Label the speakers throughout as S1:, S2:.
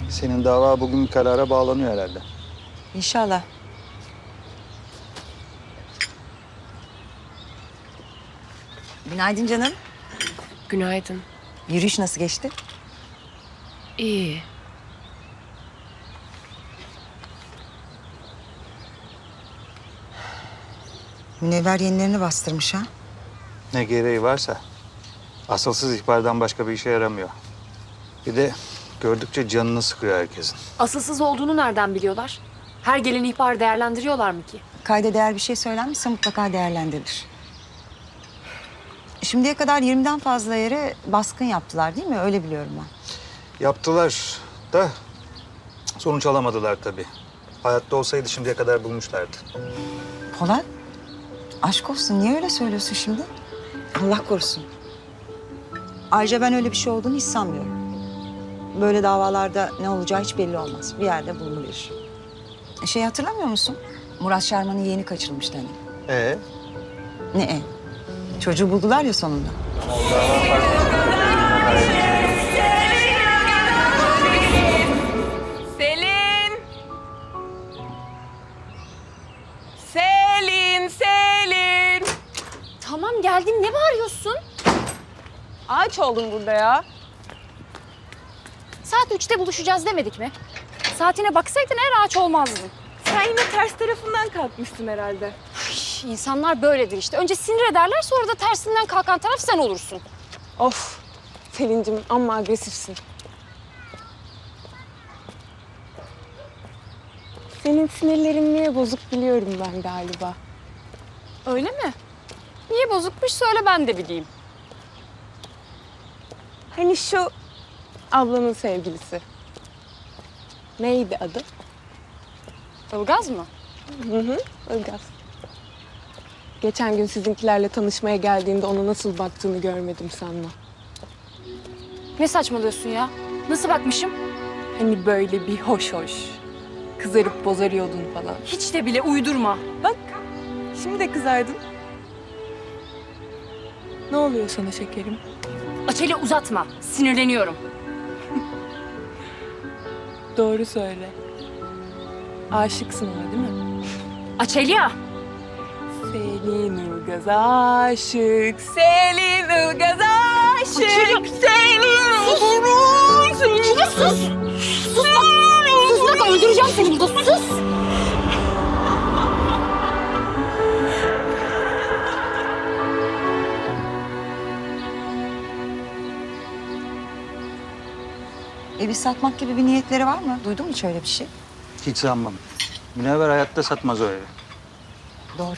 S1: Senin dava bugün bir karara bağlanıyor herhalde.
S2: İnşallah. Günaydın canım.
S3: Günaydın.
S2: Yürüyüş nasıl geçti?
S3: İyi.
S2: Münevver yenilerini bastırmış ha.
S1: Ne gereği varsa. Asılsız ihbardan başka bir işe yaramıyor. Bir de gördükçe canını sıkıyor herkesin.
S3: Asılsız olduğunu nereden biliyorlar? Her gelen ihbar değerlendiriyorlar mı ki?
S2: Kayda değer bir şey söylenmişse mutlaka değerlendirilir. Şimdiye kadar 20'den fazla yere baskın yaptılar değil mi? Öyle biliyorum ben.
S1: Yaptılar da sonuç alamadılar tabii. Hayatta olsaydı şimdiye kadar bulmuşlardı.
S2: Polat, aşk olsun. Niye öyle söylüyorsun şimdi? Allah korusun. Ayrıca ben öyle bir şey olduğunu hiç sanmıyorum. Böyle davalarda ne olacağı hiç belli olmaz. Bir yerde bulunabilir. Şey hatırlamıyor musun? Murat Şarman'ın yeğeni kaçırılmıştı hani. Ne e? Çocuğu buldular ya sonunda.
S4: Selin! Selin, Selin!
S3: Tamam geldim. Ne bağırıyorsun?
S4: Ağaç oldum burada ya.
S3: Saat 3'te buluşacağız demedik mi? Saatine baksaydın eğer ağaç olmazdın.
S4: Sen yine ters tarafından kalkmışsın herhalde.
S3: İnsanlar böyledir işte. Önce sinir ederler sonra da tersinden kalkan taraf sen olursun.
S4: Of! Selin'cim amma agresifsin. Senin sinirlerin niye bozuk biliyorum ben galiba.
S3: Öyle mi? Niye bozukmuş söyle ben de bileyim.
S4: Hani şu ablanın sevgilisi. Neydi adı?
S3: Ilgaz mı?
S4: Hı hı, Ilgaz. Geçen gün sizinkilerle tanışmaya geldiğinde ona nasıl baktığını görmedim sanma.
S3: Ne saçmalıyorsun ya? Nasıl bakmışım?
S4: Hani böyle bir hoş hoş. Kızarıp bozarıyordun falan.
S3: Hiç de bile uydurma.
S4: Bak, şimdi de kızardın. Ne oluyor sana şekerim?
S3: Açeli uzatma. Sinirleniyorum.
S4: Doğru söyle. Aşıksın ona değil mi?
S3: Açelya!
S4: Selin Ilgaz aşık, Selin Ilgaz aşık, Selin Ilgaz aşık.
S3: Sus! Sus bak! Sus bak öldüreceğim seni burada sus!
S2: Evi satmak gibi bir niyetleri var mı? Duydun mu hiç öyle bir şey?
S1: Hiç sanmam. Münevver hayatta satmaz o evi.
S2: Doğru.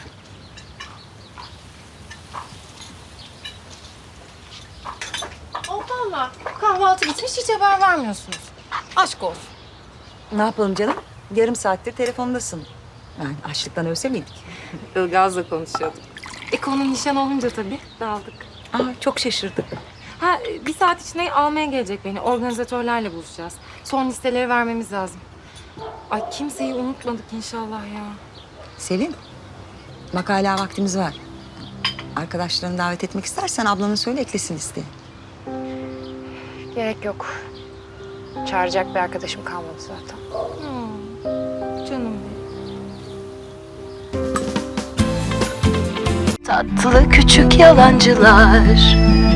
S5: Allah Allah. Kahvaltı bitmiş hiç haber vermiyorsunuz. Aşk olsun.
S2: Ne yapalım canım? Yarım saattir telefondasın. Yani açlıktan ölse miydik?
S5: Ilgaz'la konuşuyorduk. Konu nişan olunca tabii dağıldık.
S2: Aa, çok şaşırdık.
S5: Ha, bir saat içinde almaya gelecek beni. Organizatörlerle buluşacağız. Son listeleri vermemiz lazım. Ay kimseyi unutmadık inşallah ya.
S2: Selin, bak hala vaktimiz var. Arkadaşlarını davet etmek istersen ablanı söyle eklesin listeye.
S3: Gerek yok. Çağıracak bir arkadaşım kalmadı zaten.
S5: Canım benim.
S6: Tatlı küçük yalancılar